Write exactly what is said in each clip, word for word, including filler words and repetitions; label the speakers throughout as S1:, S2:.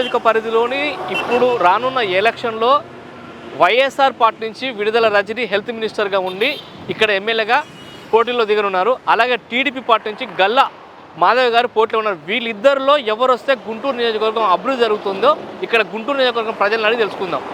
S1: నియోజక పరిధిలోని ఇప్పుడు రానున్న ఎలక్షన్లో వైఎస్ఆర్ పార్టీ నుంచి విడుదల రజని హెల్త్ మినిస్టర్గా ఉండి ఇక్కడ ఎమ్మెల్యేగా పోటీలో దిగనున్నారు. అలాగే టీడీపీ పార్టీ నుంచి గల్లా మాధవ్ గారు పోటీలో ఉన్నారు. వీళ్ళిద్దరిలో ఎవరు వస్తే గుంటూరు నియోజకవర్గం అభివృద్ధి జరుగుతుందో ఇక్కడ గుంటూరు నియోజకవర్గం ప్రజలను అడిగి తెలుసుకుందాం.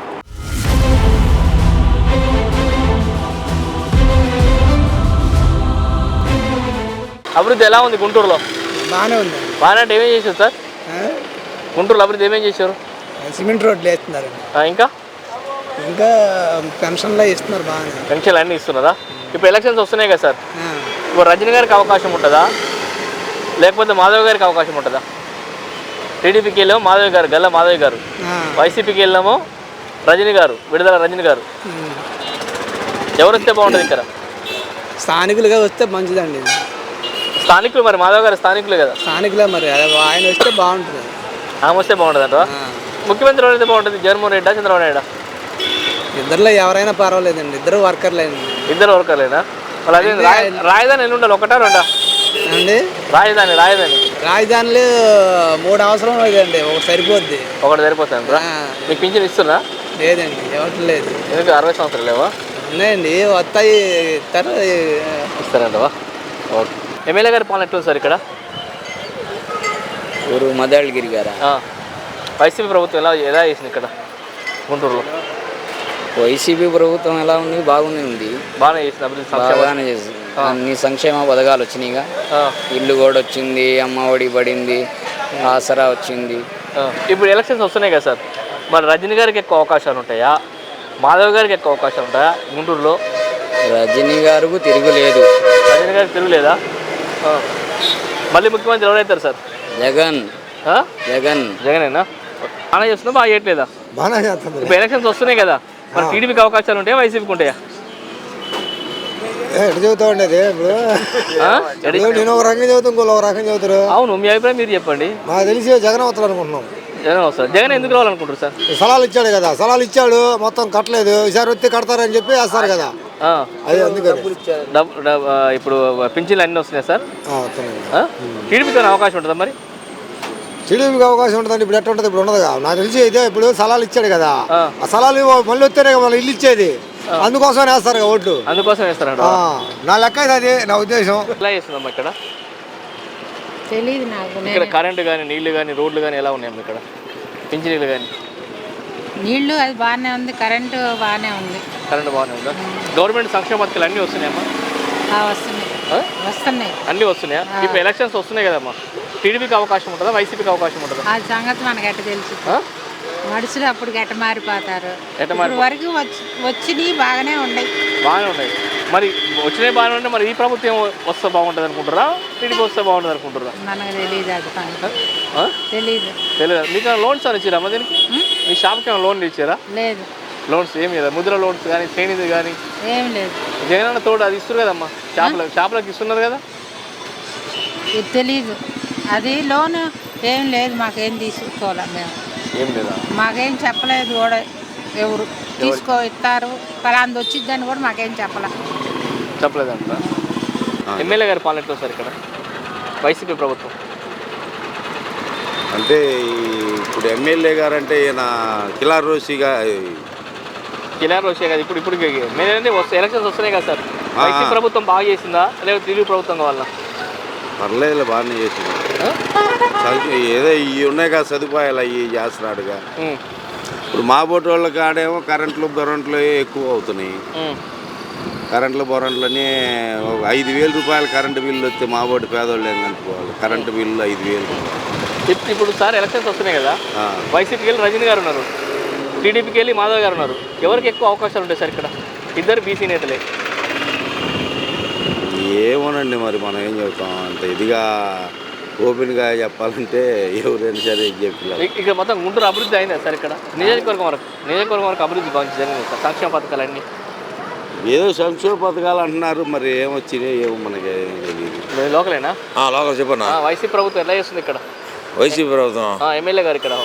S1: అభివృద్ధి ఎలా ఉంది గుంటూరులో?
S2: బాగానే ఉంది.
S1: బాగానే అంటే ఏమేం చేశారు సార్ గుంటూరులో అభివృద్ధి? ఏమేం చేశారు?
S2: సిమెంట్ రోడ్లు వేస్తున్నారు.
S1: ఇంకా
S2: ఇంకా పెన్షన్లు ఇస్తున్నారు. బాగానే
S1: పెన్షన్లు అన్నీ ఇస్తున్నారా? ఇప్పుడు ఎలక్షన్స్ వస్తున్నాయి కదా సార్, ఇప్పుడు రజనీ గారికి అవకాశం ఉంటుందా లేకపోతే మాధవ్ గారికి అవకాశం ఉంటుందా? టీడీపీకి వెళ్ళాము మాధవ్ గారు, గల్లా మాధవ్ గారు, వైసీపీకి వెళ్ళాము రజనీ గారు, విడుదల రజనీ గారు. ఎవరు వస్తే బాగుంటుంది ఇక్కడ?
S2: స్థానికులుగా వస్తే మంచిదండి.
S1: స్థానికులు మరి మాధవ్ గారు స్థానికులే కదా.
S2: స్థానికులే మరి ఆయన వస్తే బాగుంటుంది.
S1: ఆమె వస్తే బాగుంటుంది అంట. ముఖ్యమంత్రి ఎవరైతే బాగుంటుంది? జగన్మోహన్ రెడ్డా, చంద్రబాబు నాయుడు?
S2: ఇద్దరులో ఎవరైనా పర్వాలేదండి. ఇద్దరు వర్కర్లేండి.
S1: ఇద్దరు వర్కర్లేనా? మరి అదే రాజధాని ఎన్ని ఉండాలి? ఒకటా రెండా
S2: అండి? రాజధాని
S1: రాజధాని
S2: రాజధానిలో మూడు అవసరం లేదండి, ఒకటి సరిపోద్ది.
S1: ఒకటి సరిపోతుంది. మీకు పింఛన్ ఇస్తున్నా?
S2: లేదండి, ఎవరు లేదు.
S1: ఎందుకు? అరవై సంవత్సరాలు లేవా?
S2: ఉన్నాయండి, వస్తాయి, ఇస్తారు.
S1: ఇస్తారంటవా? ఓకే. ఎమ్మెల్యే గారి పాలన ఎట్లుంది సార్ ఇక్కడ?
S3: ఊరు మదాళగిరి గారా?
S1: వైసీపీ ప్రభుత్వం ఎలా ఎలా చేసింది ఇక్కడ గుంటూరులో?
S3: వైసీపీ ప్రభుత్వం ఎలా ఉంది? బాగుంది ఉంది.
S1: బాగానే చేసింది అభివృద్ధి,
S3: బాగానే చేసింది. అన్ని సంక్షేమ పథకాలు వచ్చినాయిగా. ఇల్లు కూడా వచ్చింది, అమ్మ ఒడి పడింది, ఆసరా వచ్చింది.
S1: ఇప్పుడు ఎలక్షన్స్ వస్తున్నాయి కదా సార్, మరి రజనీ గారికి ఎక్కువ అవకాశాలు ఉంటాయా, మాధవ్ గారికి ఎక్కువ అవకాశాలు ఉంటాయా గుంటూరులో?
S3: రజనీ గారికి తిరుగులేదు.
S1: రజనీ గారికి తిరుగులేదా? మళ్ళీ ముఖ్యమంత్రి ఎవరైతారు సార్?
S3: జగన్. జగన్
S1: జగనేనా? బాగా చేస్తున్నా, బాగా చేయట్లేదా?
S2: బాగా చేస్తుంది.
S1: ఇప్పుడు ఎలక్షన్స్ వస్తున్నాయి కదా, మరి టీడీపీకి అవకాశాలు ఉంటాయా, వైసీపీకి ఉంటాయా?
S2: ఎటు చెబుతా ఉండేది ఇప్పుడు? నేను ఒక రకంగా చదువుతా, ఇంకో ఒక రకంగా చదువుతారు.
S1: అవును, మీ అభిప్రాయం మీరు చెప్పండి.
S2: మాకు తెలిసి జగన్ అవుతారు అనుకుంటున్నాం.
S1: జగన్ వస్తారు. జగన్ ఎందుకు రావాలనుకుంటారు సార్?
S2: సలాలు ఇచ్చాడు కదా, సలాలు ఇచ్చాడు, మొత్తం కట్టలేదు, ఈసారి వస్తే కడతారని చెప్పి వేస్తారు కదా. అదే అందుకని
S1: ఇప్పుడు పింఛన్లు అన్నీ వస్తున్నాయి సార్. టీడీపీతో అవకాశం ఉంటుందా మరి?
S2: టీడీపీకి అవకాశం ఉంటుందండి. ఇప్పుడు ఎట్లా ఉంటుంది? ఇప్పుడు ఉండదు కదా. నాకు తెలిసి అయితే ఇప్పుడు సలాలు ఇచ్చాడు కదా, ఆ సలాలు మళ్ళీ వస్తేనే మళ్ళీ ఇల్లు ఇచ్చేది, అందుకోసం వేస్తారు కదా ఓట్లు.
S1: అందుకోసం వేస్తారంట.
S2: నా లెక్క అయితే అది నా ఉద్దేశం.
S1: ఎలా చేస్తుందమ్మా ఇక్కడ?
S4: తెలియదు నాకు.
S1: ఇక్కడ కరెంటు కానీ, నీళ్లు కానీ, రోడ్లు కానీ ఎలా ఉన్నాయమ్మా ఇక్కడ? పింఛనీళ్ళు కానీ?
S4: నీళ్లు అది బాగానే ఉంది, కరెంటు బాగానే ఉంది.
S1: కరెంటు బాగానే ఉందా? గవర్నమెంట్ సంక్షేమ పథకాలు అన్నీ వస్తున్నాయమ్మా?
S4: వస్తున్నాయి వస్తున్నాయి
S1: అన్నీ వస్తున్నాయా? ఇప్పుడు ఎలక్షన్స్ వస్తున్నాయి కదమ్మా, టీడీపీకి అవకాశం ఉంటుందా, వైసీపీకి అవకాశం ఉంటుందా?
S4: ఆ సంగతి మనకు ఎట్ట తెలుసు? మనుషులు అప్పుడు గట్ట మారిపోతారు. వరకు వచ్చి వచ్చినవి బాగానే ఉన్నాయి.
S1: బాగానే ఉన్నాయి. మరి వచ్చినాయి బాగానే ఉంటే మరి ఈ ప్రభుత్వం వస్తే బాగుంటుంది అనుకుంటారా, టీడీపీ వస్తే బాగుంటుంది అనుకుంటారా?
S4: మనకు తెలియదు, అది తెలీదు.
S1: తెలియదు. మీకు లోన్స్ అని ఇచ్చారా అమ్మ దీనికి? మీ షాప్కి ఏమైనా లోన్లు ఇచ్చారా?
S4: లేదు.
S1: లోన్స్ ఏమి లేదా? ముద్ర లోన్స్ కానీ, శ్రేణిది కానీ
S4: ఏం లేదు.
S1: జగనన్న తోడు అది ఇస్తారు కదమ్మా, షాపులకు షాపులకు ఇస్తున్నారు కదా.
S4: ఇది తెలీదు. అది లోన్ ఏం లేదు, మాకేం తీసుకోవాలి. మేము
S1: ఏం లేదా?
S4: మాకేం చెప్పలేదు కూడా. ఎవరు తీసుకో ఇస్తారు పలాంది వచ్చిద్దని కూడా మాకేం చెప్పలే
S1: చెప్పలేదంట. ఎమ్మెల్యే గారి పాలన ఎట్లా సార్ ఇక్కడ వైసీపీ ప్రభుత్వం?
S5: అంటే ఇప్పుడు ఎమ్మెల్యే గారు అంటే ఈయన కిలార్ రోషిగా
S1: కిలార్ రోషి కదా. ఇప్పుడు ఇప్పుడు ఎమ్మెల్యే అంటే వస్తే ఎలక్షన్స్ వస్తున్నాయి కదా సార్, వైసీపీ ప్రభుత్వం బాగా చేసిందా లేదా టీడీపీ ప్రభుత్వం కావాలా?
S5: పర్లేదు, బాగానే చేసింది. ఏదో ఇవి ఉన్నాయి కదా సదుపాయాలు, అవి చేస్తున్నాడుగా. ఇప్పుడు మా బోటి వాళ్ళ కాడేమో కరెంట్లు బొరంట్లు ఎక్కువ అవుతున్నాయి. కరెంట్లు బొరంట్లని ఐదు వేల రూపాయలు కరెంటు బిల్లు వస్తే మా బోటి పేదోళ్ళు ఏం కనుక్కోవాలి. కరెంటు బిల్లు ఐదు వేలు.
S1: ఇప్పుడు సార్ ఎలక్షన్స్ వస్తున్నాయి కదా, వైసీపీకి వెళ్ళి రజనీ గారు ఉన్నారు, టీడీపీకి వెళ్ళి మాధవ్ గారు ఉన్నారు. ఎవరికి ఎక్కువ అవకాశాలు ఉంటాయి సార్ ఇక్కడ? ఇద్దరు బీసీ నేతలే.
S5: ఏమోనండి మరి మనం ఏం చెబుతాం, అంత ఇదిగా ఓపెన్గా చెప్పాలంటే ఎవరైనా సరే చెప్పలేదు.
S1: ఇక్కడ మొత్తం గుంటూరు అభివృద్ధి అయిందా సార్ ఇక్కడ? నియోజకవర్గం వరకు నియోజకవర్గం వరకు అభివృద్ధి బాగా జరిగింది సార్, సంక్షేమ పథకాలన్నీ.
S5: ఏదో సంక్షేమ పథకాలు అంటున్నారు, మరి ఏమొచ్చినాయి ఏమో మనకి తెలియదు.
S1: లోకలేనా?
S6: లోకల్ చెప్పన్నా.
S1: వైసీపీ ప్రభుత్వం ఎలా చేస్తుంది ఇక్కడ?
S6: వైసీపీ ప్రభుత్వం
S1: ఎమ్మెల్యే గారు ఇక్కడ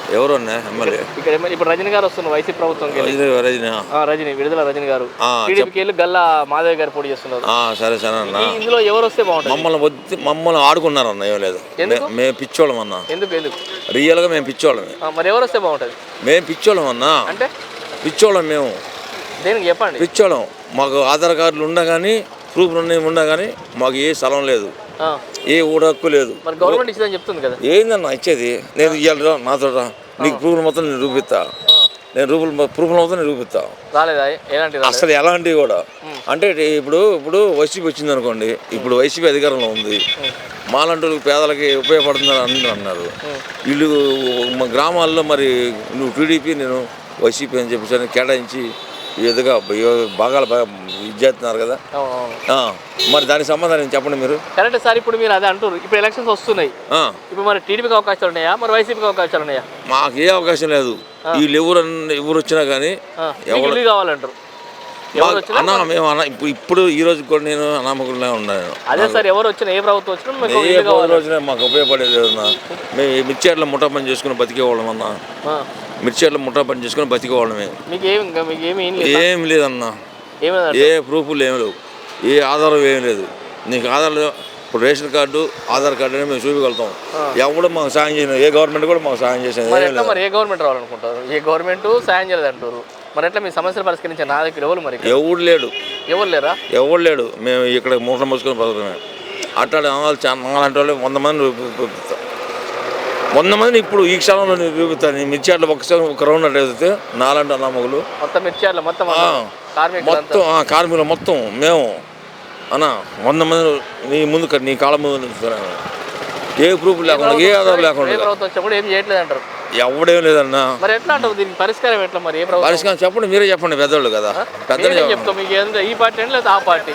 S6: ఎవరు అన్నా ఎమ్మెల్యే
S1: ఇక్కడ ఎమ్మెల్యే ఇప్పుడు రజనీ గారు వస్తున్నారు వైసీపీ ప్రభుత్వం
S6: రజనీ
S1: రజనీ విడుదల రజనీ గారు టీడీపీకి వెళ్ళి గల్లా మాధవ్ గారు పోటీ చేస్తున్నారు.
S6: సరే సరే అన్న
S1: ఇందులో ఎవరు వస్తే బాగుంటుంది?
S6: మమ్మల్ని వద్దు మమ్మల్ని ఆడుకున్నారు అన్న. ఏం లేదు మేము పిచ్చోళ్ళం అన్న.
S1: ఎందుకు ఎందుకు
S6: రియల్గా మేము పిచ్చోళ్ళమే.
S1: మరి ఎవరు వస్తే బాగుంటుంది?
S6: మేము పిచ్చోళ్ళం అన్న. అంటే పిచ్చోళ్ళం మేము.
S1: దేనికి చెప్పండి?
S6: పిచ్చోళ్ళం. మాకు ఆధార్ కార్డులు ఉన్నా కానీ ప్రూఫ్ ఉన్నా కానీ మాకు ఏ స్థలం లేదు, ఏ ఊడ హక్కు లేదు.
S1: మరి గవర్నమెంట్ ఇచ్చిందని చెప్తుంది కదా.
S6: ఏందన్నా ఇచ్చేది? నేను ఇవ్వాలి నాతో నీకు ప్రూఫ్లు మొత్తం నేను చూపిస్తా. నేను రూపులు ప్రూఫ్లు మొత్తం నేను చూపిస్తా.
S1: రాలేదా ఎలాంటి?
S6: అసలు ఎలాంటివి కూడా అంటే ఇప్పుడు ఇప్పుడు వైసీపీ వచ్చింది అనుకోండి, ఇప్పుడు వైసీపీ అధికారంలో ఉంది, మాలంటూ పేదలకి ఉపయోగపడుతుందని అందరూ అన్నారు. వీళ్ళు మా గ్రామాల్లో మరి నువ్వు టీడీపీ నేను వైసీపీ అని చెప్పేసి కేటాయించి ఈ విధంగా బాగా ఇది చేస్తున్నారు కదా. మరి దానికి సమాధానం చెప్పండి మీరు.
S1: Correct sir. ఇప్పుడు మీరు అదే అంటారు. ఇప్పుడు ఎలక్షన్స్ వస్తున్నాయి. ఇప్పుడు మరి టీడీపీకి అవకాశాలు ఉన్నాయా, మరి వైసీపీకి అవకాశాలు ఉన్నాయా?
S6: మాకు ఏ అవకాశం లేదు. వీళ్ళు ఎవరు ఎవరు వచ్చినా కానీ
S1: ఎవరు కావాలంటారు
S6: అన్నా. మేము అన్న ఇప్పుడు ఇప్పుడు ఈ రోజు కూడా నేను అనామకులనే ఉన్నాను.
S1: అదే సార్. ఎవరు వచ్చినా ఏ ప్రభుత్వం వచ్చినా
S6: ఏ రోజున మాకు ఉపయోగపడేది అన్నా. మేము మిర్చేర్ల ముఠా పని చేసుకుని బతికేవాళ్ళం అన్నా. మిర్చేర్ల ముఠా పని చేసుకుని బతికేవాళ్ళమే.
S1: మీకు ఏమి ఇంకా మీకు ఏమి
S6: ఏం లేదన్నా. ఏ ప్రూఫ్లు ఏమి లేవు, ఏ ఆధారం ఏమి లేదు. నీకు ఆధార్ ఇప్పుడు రేషన్ కార్డు ఆధార్ కార్డు అని మేము చూపించగలుగుతాం. ఎవరు మాకు సాయం చేయను. ఏ గవర్నమెంట్ కూడా మాకు సాయం చేసేది.
S1: మరి ఏ గవర్నమెంట్ రావాలనుకుంటారు? ఏ గవర్నమెంట్ సాయం చేయలేదు అంటారు. మరి ఎట్లా మీ సమస్యలు పరిష్కరించే నా దగ్గర ఎవరు? మరి
S6: ఎవరు లేడు.
S1: ఎవరు లేరా?
S6: ఎవరు లేడు. మేము ఇక్కడ మూట మోసుకొని బతుకుతామే. అట్లా నాలాంటి వాళ్ళు వంద మంది చూపిస్తాం. వంద మందిని ఇప్పుడు ఈ క్షణంలో నేను చూపిస్తాను. మిర్చియాట్లో ఒకసారి ఒక రౌండ్ అట్లా వెళ్తే నాలంటి అన్నమ్మగులు
S1: మొత్తం మిర్చియాట్లో మొత్తం
S6: మొత్తం కార్మికులు మొత్తం మేము అన్న వంద మంది నీ ముందు నీ కాళ్ళ ముందు ఏ ప్రూఫ్ లేకుండా ఏ ఆధారం లేకుండా
S1: ఏం చేయట్లేదు అంటారు.
S6: ఎవడేం లేదన్నా.
S1: మరి ఎట్లా అంటారు దీనికి పరిష్కారం ఎట్లా? మరి
S6: పరిష్కారం చెప్పండి, మీరే చెప్పండి. పెద్దోళ్ళు కదా. పెద్దలు
S1: చెప్తాం. మీకు ఏంటంటే ఈ పార్టీ అని లేదా ఆ పార్టీ?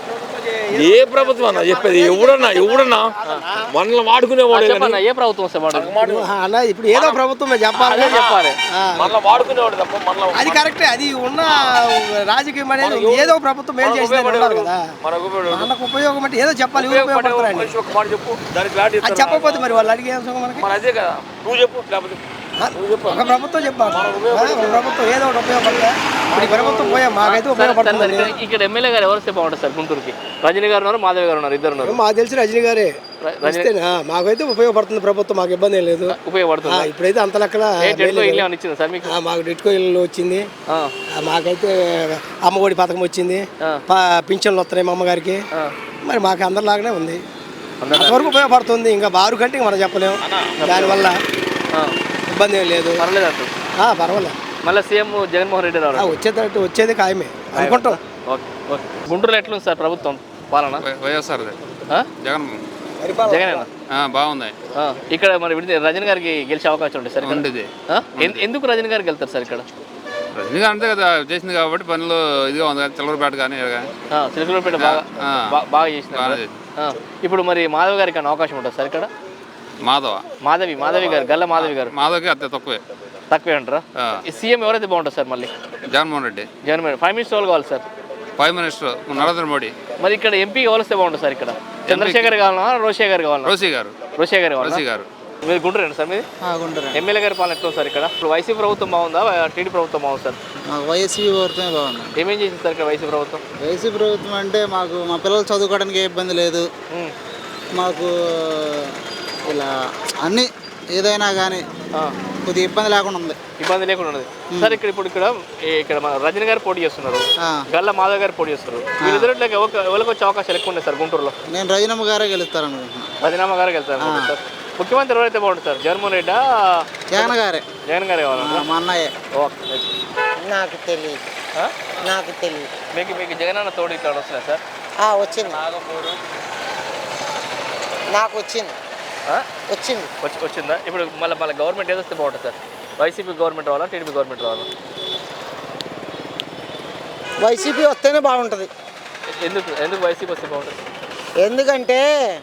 S6: ఏ ప్రభుత్వం అన్న చెప్పేది? ఎవడన్నా ఎవడన్నా మనల్ని వాడుకునేవాడు.
S1: ఏ ప్రభుత్వం
S2: అలా ఇప్పుడు ఏదో ప్రభుత్వం చెప్పాలి
S1: చెప్పాలి
S6: మనల్ని వాడుకునేవాడు తప్ప మనల్ని
S2: అది కరెక్టే. అది ఉన్న రాజకీయం అనేది ఏదో ప్రభుత్వం ఏం చేసేది కదా. మనకు ఉపయోగం అంటే ఏదో చెప్పాలి. అది చెప్పకపోతే మరి వాళ్ళు అడిగే మనకి
S6: అదే కదా. నువ్వు చెప్పు. లేకపోతే
S2: ఒక ప్రభుత్వం చెప్పాలి. ఒక ప్రభుత్వం ఏదో ఒకటి ఉపయోగపడతా. ఇప్పుడు ప్రభుత్వం పోయా మాకైతే ఉపయోగపడుతుంది.
S1: ఇక్కడ ఎమ్మెల్యే గారు ఎవరు వస్తే బాగుంటుంది సార్ గుంటూరుకి? రజనీ గారు ఉన్నారు, మాధవ్ గారు ఉన్నారు, ఇద్దరు ఉన్నారు.
S2: మాకు తెలిసి రజనీ గారే మాకైతే ఉపయోగపడుతుంది. ప్రభుత్వం మాకు ఇబ్బంది ఏం లేదు.
S1: ఉపయోగపడుతుంది.
S2: ఇప్పుడైతే అంత లెక్కల మాకు డిట్కో ఇల్లు వచ్చింది. మాకైతే అమ్మఒడి పథకం వచ్చింది. పింఛన్లు వస్తున్నాయి మా అమ్మగారికి. మరి మాకు అందరిలాగానే ఉంది. అంతవరకు ఉపయోగపడుతుంది. ఇంకా బారు కంటే మనం చెప్పలేము. దానివల్ల ఇబ్బంది ఏం లేదు.
S1: పర్లేదు అంటారు.
S2: పర్వాలేదు.
S1: మళ్ళీ సీఎం జగన్మోహన్ రెడ్డి రావాలి.
S2: వచ్చేటట్టు వచ్చేది ఖాయమే అనుకుంటాం.
S1: గుంటూరులో ఎట్లుంది సార్ ప్రభుత్వం పాలన?
S7: వైఎస్ఆర్ జగన్
S1: జగన్
S7: బాగుంది.
S1: ఇక్కడ మరి రజనీ గారికి గెలిచే అవకాశం ఉంటుంది సార్. ఉండేది ఎందుకు రజనీ గారికి వెళ్తారు సార్? ఇక్కడ
S7: రజనీ గారు అంతే కదా చేసింది కాబట్టి పనులు ఇదిగా ఉంది కదా. చిలకలపేట కానీ
S1: చిలకలపేట బాగా బాగా చేసింది. ఇప్పుడు మరి మాధవ్ గారికి అన్న అవకాశం ఉంటుంది సార్ ఇక్కడ?
S7: మాధవ
S1: మాధవి మాధవి గారు గల్ల మాధవి గారు
S7: మాధవ్కి అంతే తక్కువే
S1: తక్కువే అంటారా? సీఎం ఎవరైతే బాగుంటుంది సార్? మళ్ళీ
S7: జగన్మోహన్ రెడ్డి.
S1: జగన్మోహన్ ఫైవ్ మినిస్టర్ వాళ్ళు కావాలి sir.
S7: Prime minister Narendra Modi.
S1: మరి ఇక్కడ ఎంపీ ఎవరిస్తే బాగుంటుంది సార్? ఇక్కడ చంద్రశేఖర్ కావాలన్నా రోషే గారు కావాలన్నా?
S7: రోషి గారు.
S1: రోషే గారు
S7: రోషి గారు.
S1: మీరు గుంటూరేనా సార్? మీది ఎమ్మెల్యే గారి పాలన ఎట్లా సార్ ఇక్కడ? ఇప్పుడు వైసీపీ ప్రభుత్వం బాగుందా, టీడీ ప్రభుత్వం బాగుంది సార్?
S8: వైసీపీ ప్రభుత్వమే బాగుంది.
S1: ఏమేం చేసింది సార్ ఇక్కడ వైసీపీ ప్రభుత్వం?
S8: వైసీపీ ప్రభుత్వం అంటే మాకు మా పిల్లలు చదువుకోవడానికి ఏ ఇబ్బంది లేదు. మాకు ఇలా అన్ని ఏదైనా కానీ కొద్దిగా ఇబ్బంది లేకుండా ఉంది.
S1: ఇబ్బంది లేకుండా ఉన్నది సార్. ఇక్కడ ఇప్పుడు ఇక్కడ ఇక్కడ రజనీ గారు పోటీ చేస్తున్నారు, గల్ల మాధవ్ గారు పోటీ చేస్తున్నారు. వీళ్ళిద్దరిలో ఎవరికి వచ్చే అవకాశాలు ఎక్కువ ఉన్నాయి సార్ గుంటూరులో?
S8: నేను రజనమ్మ గారే గెలుస్తారు అనుకుంటున్నాను.
S1: రజనమ్మ గారే గెలుస్తారు సార్. ముఖ్యమంత్రి ఎవరైతే బాగుంటుంది సార్? జగన్మోహన్ రెడ్డి
S8: జగన్ గారే?
S1: జగన్ గారే కావాలన్నా?
S8: మా అన్నయ్య.
S9: నాకు తెలియదు నాకు తెలియదు
S1: మీకు మీకు జగన్ అన్న తోడు ఇక్కడ వస్తున్నాయి సార్?
S9: వచ్చింది నాకు వచ్చింది వచ్చింది
S1: వచ్చి వచ్చిందా? ఇప్పుడు మళ్ళీ మళ్ళీ గవర్నమెంట్ ఏదో వస్తే బాగుంటుంది సార్? వైసీపీ గవర్నమెంట్ రావాలా, టీడీపీ గవర్నమెంట్ రావాలా?
S9: వైసీపీ వస్తేనే బాగుంటుంది.
S1: ఎందుకు ఎందుకు వైసీపీ వస్తే బాగుంటుంది?
S9: ఎందుకంటే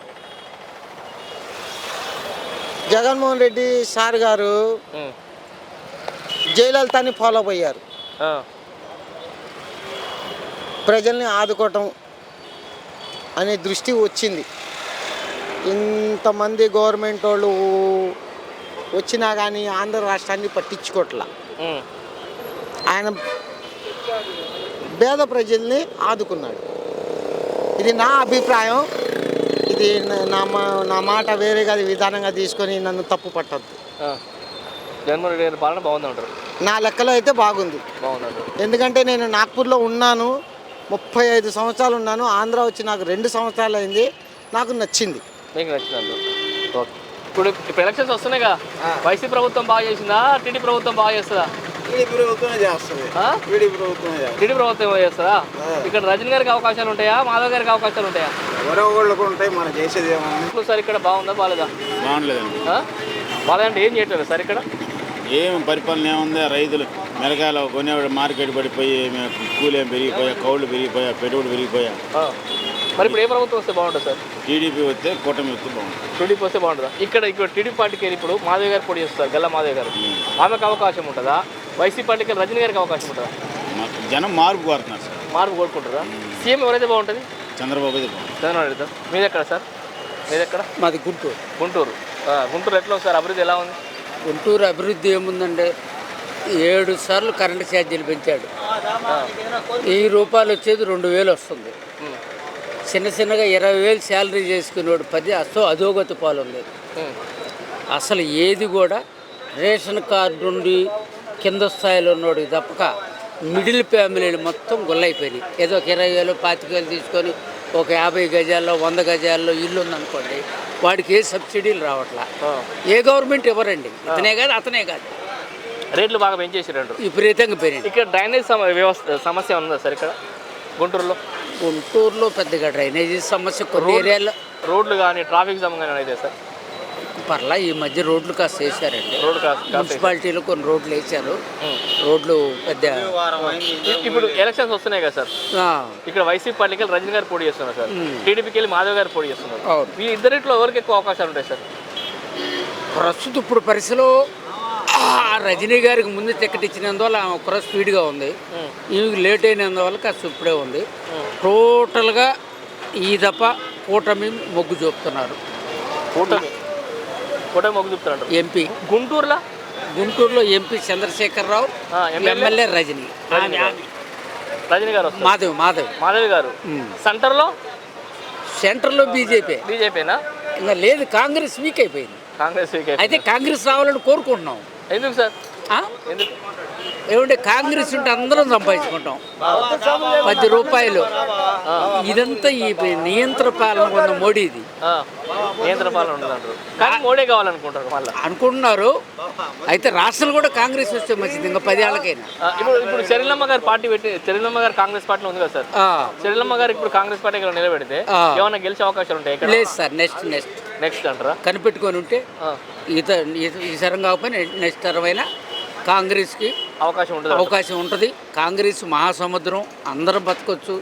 S9: జగన్మోహన్ రెడ్డి సార్ గారు జయలలితని ఫాలో అయ్యారు. ప్రజల్ని ఆదుకోవటం అనే దృష్టి వచ్చింది. ఇంతమంది గవర్నమెంట్ వాళ్ళు వచ్చినా కానీ ఆంధ్ర రాష్ట్రాన్ని పట్టించుకోవట్లా.
S1: ఉమ్.
S9: ఆయన పేద ప్రజల్ని ఆదుకున్నాడు. ఇది నా అభిప్రాయం. ఇది నా- నా మా- నా మాట వేరేగా విధానంగా తీసుకొని నన్ను తప్పు పట్టద్దు.
S1: ఆ. జగన్మోహన్ రెడ్డి గారి పాలన బాగుందంటారు.
S9: నా లెక్కలో అయితే బాగుంది.
S1: బాగుందంటారు.
S9: ఎందుకంటే నేను నాగ్పూర్లో ఉన్నాను, ముప్పై ఐదు సంవత్సరాలు ఉన్నాను. ఆంధ్ర వచ్చి నాకు రెండు సంవత్సరాలు అయింది. నాకు నచ్చింది.
S1: మీకు నచ్చిందంటారు. ఓకే. ఇప్పుడు ఇప్పుడు ఎలక్షన్స్ వస్తున్నాయిగా, వైసీపీ ప్రభుత్వం బాగా చేసిందా, టీడీ ప్రభుత్వం బాగా చేస్తుందా?
S5: టీడీపీ ప్రభుత్వమే చేస్తుంది.
S1: ఆ?
S5: టీడీపీ ప్రభుత్వమే చేస్తుంది.
S1: టీడీ ప్రభుత్వం చేస్తారా? ఇక్కడ రజనీ గారికి అవకాశాలు ఉంటాయా, మాధవ్ గారికి అవకాశాలు ఉంటాయా?
S5: ఎవరో ఒకళ్ళకు ఉంటాయి, మనం చేసేది ఏమన్నా.
S1: ఇప్పుడు సార్ ఇక్కడ బాగుందా బాగాలేదా?
S10: బాగుండలేదండి.
S1: ఆ? బాగాలేదంటే ఏం చేయట్లేదు సార్ ఇక్కడ?
S10: ఏం పరిపాలన ఏముంది, రైతులు మిరకాయలు కొనేవాడు మార్కెట్ పడిపోయి కూలేం పెరిగిపోయా, కౌళ్ళు పెరిగిపోయా, పెట్టుబడి పెరిగిపోయా.
S1: ఆ. మరి ఇప్పుడు ఏ ప్రభుత్వం వస్తే బాగుంటుంది సార్?
S10: టీడీపీ వస్తే కూటమి వస్తే బాగుంటుంది.
S1: టీడీపీ వస్తే బాగుంటుందా? ఇక్కడ ఇక్కడ టీడీపీ పార్టీకి వెళ్ళి ఇప్పుడు మాధవ్ గారు పోటీ చేస్తారు, గల్లా మాధవ్ గారు. ఆమెకు అవకాశం ఉంటుందా? వైసీపీ పార్టీకి వెళ్ళి రజనీ గారికి అవకాశం ఉంటుందా?
S10: మాకు జనం మార్పు కోరుతున్నారు సార్.
S1: మార్పు కోరుకుంటారా? సీఎం ఎవరైతే బాగుంటుంది?
S10: చంద్రబాబు అయితే బాగుంటుంది.
S1: చంద్రబాబు నాయుడు సార్. మీది ఎక్కడ సార్? మీది ఎక్కడ?
S11: మాది గుంటూరు.
S1: గుంటూరు. ఆ, గుంటూరు ఎట్లా ఉంది సార్, అభివృద్ధి ఎలా ఉంది?
S11: గుంటూరు అభివృద్ధి ఏముందంటే ఏడు సార్లు కరెంటు ఛార్జీలు పెంచాడు. వెయ్యి రూపాయలు వచ్చేది రెండు వేలు వస్తుంది. చిన్న చిన్నగా ఇరవై వేలు శాలరీ చేసుకునేవాడు పది అసలు అధోగతి పాలు ఉంది. అసలు ఏది కూడా రేషన్ కార్డు నుండి కింద స్థాయిలో ఉన్నోడికి తప్పక మిడిల్ ఫ్యామిలీలు మొత్తం గుల్లైపోయినాయి. ఏదో ఒక ఇరవై వేలు పాతిక వేలు తీసుకొని ఒక యాభై గజాల్లో వంద గజాల్లో ఇల్లు ఉందనుకోండి, వాడికి ఏ సబ్సిడీలు రావట్లా. ఏ గవర్నమెంట్ ఇవ్వరండి. ఇతనే కాదు అతనే కాదు,
S1: రేట్లు బాగా పెంచేసారు.
S11: విపరీతంగా పెరిగింది.
S1: ఇక్కడ డ్రైనేజ్ సమ వ్యవస్థ సమస్య ఉందా సార్ ఇక్కడ గుంటూరులో?
S11: గుంటూరులో పెద్దగా డ్రైనేజీ సమస్య కొన్ని ఏరియాలో,
S1: రోడ్లు కానీ ట్రాఫిక్ జామ్ కానీ అయితే సార్
S11: పర్లా ఈ మధ్య రోడ్లు కాస్త వేసారండి.
S1: రోడ్డు కాస్త
S11: మున్సిపాలిటీలో కొన్ని రోడ్లు వేసారు. రోడ్లు పెద్ద
S1: ఇప్పుడు ఎలక్షన్స్ వస్తున్నాయి కదా సార్,
S11: ఆ,
S1: ఇక్కడ వైసీపీ పార్టీకి వెళ్ళి రజనీ గారు పోటీ చేస్తున్నారు సార్, టీడీపీకి వెళ్ళి మాధవ్ గారు పోటీ చేస్తున్నారు.
S11: అవును.
S1: ఈ ఇద్దరిట్లో ఎవరికి ఎక్కువ అవకాశాలు ఉంటాయి సార్?
S11: ప్రస్తుతం ఇప్పుడు పరిస్థితిలో ఆ రజనీ గారికి ముందు టికెట్ ఇచ్చినందువల్ల ఆమె ఒక స్పీడ్గా ఉంది, ఈమెకి లేట్ అయినందువల్ల కాస్త ఇప్పుడే ఉంది. టోటల్గా ఈ దఫ కూటమి మొగ్గు చూపుతున్నారు.
S1: కూటమి కూటమి మొగ్గు చూపుతున్నారు.
S11: ఎంపీ
S1: గుంటూరులో
S11: గుంటూరులో ఎంపీ చంద్రశేఖరరావు, ఎమ్మెల్యే రజనీ
S1: రజనీ గారు వస్తారు.
S11: మాధవ్ మాధవ్
S1: మాధవి గారు. సెంటర్లో
S11: సెంటర్లో బీజేపీ
S1: బీజేపీనా?
S11: ఇంకా లేదు, కాంగ్రెస్ వీక్ అయిపోయింది.
S1: కాంగ్రెస్ వీక్
S11: అయితే కాంగ్రెస్ రావాలని కోరుకుంటున్నాం.
S1: ఎందుకు సార్? ఎందుకు?
S11: ఏమంటే కాంగ్రెస్ ఉంటే అందరం సంపాదించుకుంటాం. పది రూపాయలు ఇదంతా ఈ నియంత్రణ పాలన ఉన్న మోడీది.
S1: నియంత్రణ పాలన ఉండదంటారు, కానీ మోడీ కావాలనుకుంటారు మళ్ళీ
S11: అనుకుంటున్నారు. అయితే రాష్ట్రాలు కూడా కాంగ్రెస్ వస్తే మంచిది, ఇంకా పదేళ్ళకైనా.
S1: ఇప్పుడు ఇప్పుడు చెరిలమ్మ గారు పార్టీ పెట్టి, చెరిలమ్మ గారు కాంగ్రెస్ పార్టీలో ఉంది కదా సార్, చెరిలమ్మ గారు ఇప్పుడు కాంగ్రెస్ పార్టీ నిలబెడితే ఏమైనా గెలిచే అవకాశాలు ఉంటాయి?
S11: లేదు సార్, నెక్స్ట్ నెక్స్ట్
S1: నెక్స్ట్ అంటారా?
S11: కనిపెట్టుకొని ఉంటే ఈత ఈ సరం కాకపోయినా నెక్స్ట్ తరమైనా కాంగ్రెస్కి
S1: అవకాశం ఉంటుంది
S11: అవకాశం ఉంటుంది. కాంగ్రెస్ మహాసముద్రం, అందరం బతకొచ్చు.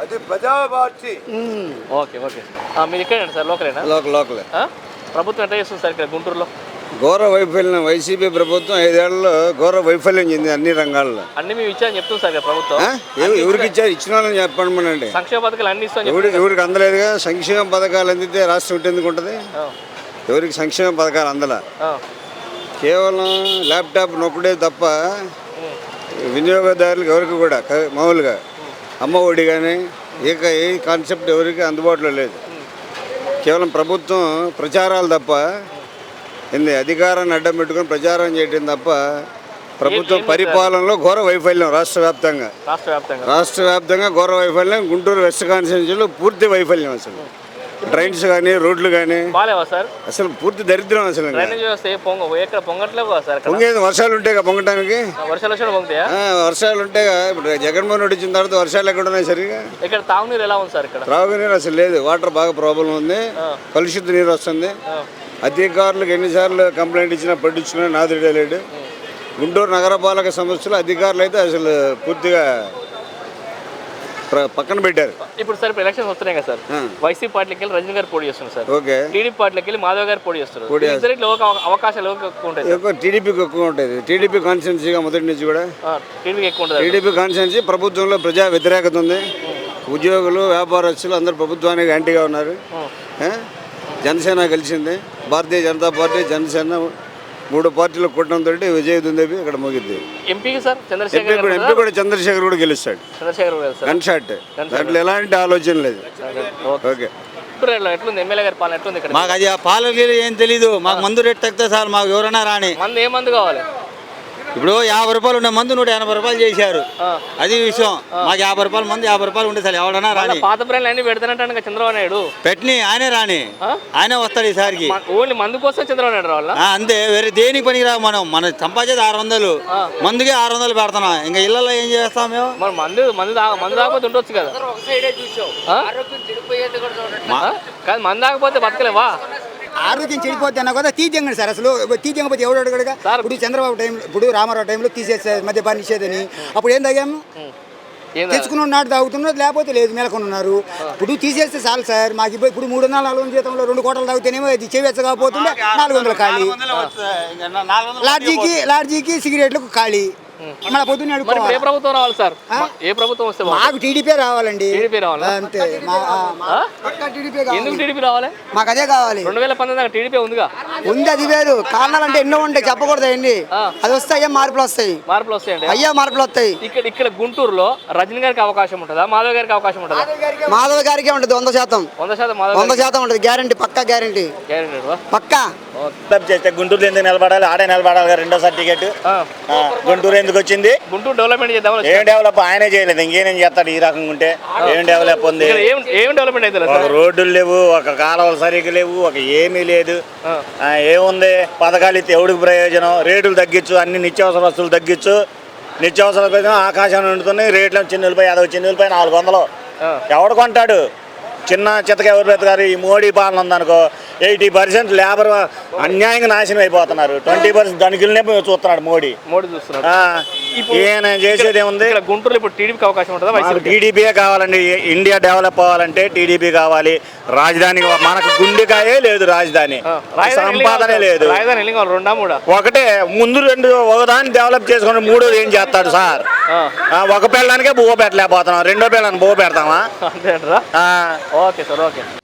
S1: Okay okay. మీరు ఇక్కడేనా సార్, లోకలేనా?
S5: లోకల్ లోకలే.
S1: ప్రభుత్వం ఎట్లా చేస్తుంది సార్ ఇక్కడ గుంటూరులో?
S5: ఘోర వైఫల్యం. వైసీపీ ప్రభుత్వం ఐదేళ్లలో ఘోర వైఫల్యం చెంది అన్ని రంగాల్లో.
S1: అన్ని మేము ఇచ్చారని చెప్తుంది సార్ ప్రభుత్వం.
S5: ఎవరికి ఇచ్చారు? ఇచ్చిన వాళ్ళని చెప్పండి.
S1: సంక్షేమ పథకాలు అన్ని ఇస్తాం.
S5: ఎవరికి ఎవరికి అందలేదుగా. సంక్షేమ పథకాలు అందితే రాష్ట్రం ఉంటేందుకు ఉంటుంది? ఎవరికి సంక్షేమ పథకాలు అందల. కేవలం ల్యాప్టాప్ నొక్కడే తప్ప వినియోగదారులకు ఎవరికి కూడా మామూలుగా అమ్మ ఒడి కానీ ఏ ఏ కాన్సెప్ట్ ఎవరికి అందుబాటులో లేదు. కేవలం ప్రభుత్వం ప్రచారాలు తప్ప, ఏంది అధికారాన్ని అడ్డం పెట్టుకొని ప్రచారం చేయడం తప్ప ప్రభుత్వం పరిపాలనలో ఘోర వైఫల్యం రాష్ట్ర వ్యాప్తంగా. రాష్ట్ర వ్యాప్తంగా ఘోర వైఫల్యం. గుంటూరు వెస్ట్ కాన్స్టిట్యున్సీలో పూర్తి వైఫల్యం. అసలు డ్రైన్స్ కానీ రోడ్లు కానీ అసలు పూర్తి దరిద్రం. అసలు పొంగేది వర్షాలు ఉంటాయి కదా పొంగటానికి. వర్షాలు ఉంటాయి కదా. ఇప్పుడు జగన్మోహన్ రెడ్డి వచ్చిన తర్వాత వర్షాలు ఎక్కడ ఉన్నాయి సరిగా?
S1: ఇక్కడ తాగునీరు ఎలా ఉంది సార్? ఇక్కడ
S5: త్రాగునీరు అసలు లేదు. వాటర్ బాగా ప్రాబ్లం ఉంది. కలుషిత నీరు వస్తుంది. అధికారులకు ఎన్నిసార్లు కంప్లైంట్ ఇచ్చినా పట్టించుకున్నా నాదుడే లేడు. గుంటూరు నగరపాలక సంస్థలు అధికారులు అయితే అసలు పూర్తిగా పక్కన పెట్టారు.
S1: ఇప్పుడు సార్ ఇప్పుడు ఎలక్షన్స్ వస్తున్నాయి కదా సార్, వైసీపీ పార్టీకి వెళ్ళి రజనీ గారు పోటీ చేస్తున్నారు సార్,
S5: ఓకే.
S1: టీడీపీ పార్టీకి వెళ్ళి మాధవ్ గారు పోటీ చేస్తున్నారు. అవకాశాలు ఎక్కువ ఉంటాయి.
S5: టీడీపీకి ఎక్కువ ఉంటుంది. టీడీపీ కాన్స్టిట్యున్సీగా మొదటి నుంచి కూడా
S1: టీడీపీ ఎక్కువ ఉంటుంది.
S5: టీడీపీ కాన్స్టిట్యున్సీ ప్రభుత్వంలో ప్రజా వ్యతిరేకత ఉంది. ఉద్యోగులు వ్యాపారస్తులు అందరూ ప్రభుత్వానికి యాంటీగా ఉన్నారు. జనసేన గెలిచింది. భారతీయ జనతా పార్టీ జనసేన మూడు పార్టీలు కూటమితో విజయ దుందేబి ఇక్కడ ముగిద్ది.
S1: ఎంపీకి సార్ చంద్రశేఖర్
S5: ఎంపీ కూడా ఎంపీ కూడా చంద్రశేఖర్ కూడా గెలుస్తాడు.
S1: చంద్రశేఖర్ గారు సార్
S5: గన్ షాట్, దాంట్లో ఎలాంటి ఆలోచన లేదు. ఓకే.
S1: ఇప్పుడు ఎట్లుంది ఎమ్మెల్యే గారి పాలన ఎట్లుంది ఇక్కడ?
S12: మాకు అది ఆ పాలకి ఏం తెలీదు. మాకు మందు రేట్ తగ్గితే సార్ మాకు ఎవరైనా రాని.
S1: మందు ఏ మందు కావాలి?
S12: ఇప్పుడు యాభై రూపాయలు ఉండే మందు నూట ఎనభై రూపాయలు చేశారు. అది విషయం. మాకు యాభై రూపాయలు మంది యాభై రూపాయలు ఉండే సార్ ఎవడన్నా రాని.
S1: పాత బ్రాండ్లు అన్ని పెడతానంటాను చంద్రబాబు నాయుడు.
S12: పెట్టిని ఆయనే రాని, ఆయనే వస్తాడు ఈసారికి.
S1: ఓన్లీ మందు కోసం చంద్రబాబు నాయుడు రావాలా?
S12: అంతే, వేరే దేనికి పనికి రా. మనం మన సంపాదించేది ఆరు వందలు, మందుకే ఆరు వందలు పెడుతున్నాం. ఇంకా ఇళ్లలో ఏం చేస్తాం మేము?
S1: మరి మందు మందు మందు తాగకపోతే ఉండొచ్చు కదా. కాదు మందు తాగకపోతే బతకలేవా?
S13: ఆరోగ్యం చెడిపోద్ది అన్న కదా తీయండి సార్. అసలు తీయకపోతే ఎవడు అడగడుగా. ఇప్పుడు చంద్రబాబు టైం, ఇప్పుడు రామారావు టైంలో తీసేస్తారు మద్యపాన నిషేధని. అప్పుడు ఏం తాగాము? తెచ్చుకున్న నాడు తాగుతున్నది, లేకపోతే లేదు మేలకొని ఉన్నారు. ఇప్పుడు తీసేస్తే చాలు సార్. మాకు ఇప్పుడు ఇప్పుడు మూడు వందల నాలుగు వందల జీతంలో రెండు కోటలు తాగితేనేమో అది చెవిచ్చకపోతుండే నాలుగు వందలు ఖాళీ. లాడ్జీకి లాడ్జీకి సిగరెట్లకు ఖాళీ. మన పొద్దున్న
S1: ఏ ప్రభుత్వం రావాలి సార్? ఏ ప్రభుత్వం వస్తే
S13: మాకు టీడీపీ రావాలండి.
S1: టీడీపీ రావాలి
S13: అంతే.
S1: ఎందుకు టీడీపీ రావాలి?
S13: మాకు అదే కావాలి.
S1: రెండు వేల పంతొమ్మిది టీడీపీ ఉందిగా.
S13: ఉంది, అది వేరు. కారణాలు అంటే ఎన్నో ఉంటాయి, చెప్పకూడదు అయ్యండి. అది వస్తే అయ్యా మార్పులు వస్తాయి.
S1: మార్పులు వస్తాయండి.
S13: అయ్యా మార్పులు వస్తాయి.
S1: ఇక్కడ ఇక్కడ గుంటూరులో రజనీ గారికి అవకాశం ఉంటుందా, మాధవ్ గారికి అవకాశం ఉంటుందా?
S13: మాధవ్ గారికి ఉంటుంది వంద శాతం.
S1: వంద శాతం
S13: వంద శాతం ఉంటుంది. గ్యారంటీ, పక్కా గ్యారంటీ, పక్కా.
S12: చేస్తే గుంటూరు ఎందుకు నిలబడాలి? ఆడే నిలబడాలి. రెండోసారి టికెట్ గుంటూరు ఎందుకు వచ్చింది?
S1: గుంటూరు డెవలప్మెంట్ చేద్దాం.
S12: ఏం డెవలప్ ఆయనే చేయలేదు, ఇంకేం చేస్తాడు? ఈ రకంగా ఉంటే ఏం డెవలప్ ఉంది?
S1: ఏం డెవలప్మెంట్ అయితే
S12: ఒక రోడ్డులు లేవు, ఒక కాలువలు సరిగ్గా లేవు, ఒక ఏమీ లేదు. ఏముంది? పథకాలు ఇస్తే ఎవడికి ప్రయోజనం? రేటులు తగ్గించు, అన్ని నిత్యావసర వస్తువులు తగ్గించు. నిత్యావసర వస్తువులు ఆకాశాన్ని ఉంటున్నాయి. రేట్లు చిన్న ఉల్లిపాయ అదొక చిన్న ఉల్లిపాయ నాలుగు వందలు. ఎవడు కొంటాడు? చిన్న చిత్తక ఎవరు పెడతారు? ఈ మోడీ పాలన ఉందనుకో, ఎయిటీ పర్సెంట్ లేబర్ అన్యాయంగా నాశనం అయిపోతున్నారు. ట్వంటీ పర్సెంట్ ధనికులనే చూస్తున్నాడు మోడీ.
S1: మోడీ చూస్తున్నాడు.
S12: ఈయన చేసేది ఏముంది?
S1: గుంటూరులో ఇప్పుడు టీడీపీకి అవకాశం ఉంటుందా?
S12: టీడీపీయే కావాలండి. ఇండియా డెవలప్ అవ్వాలంటే టీడీపీ కావాలి. రాజధాని మనకు గుండెకాయే లేదు, రాజధాని సంపాదనే లేదు.
S1: రాజధాని రెండా మూడా?
S12: ఒకటే. ముందు రెండు ఒకదాన్ని డెవలప్ చేసుకుని మూడోది ఏం చేస్తాడు సార్? ఒక పిల్లనికే బువ్వ పెట్టలేకపోతున్నాం, రెండో పిల్లని బువ్వ పెడతామా?
S1: అంతే అంటారా? Okay sir, okay.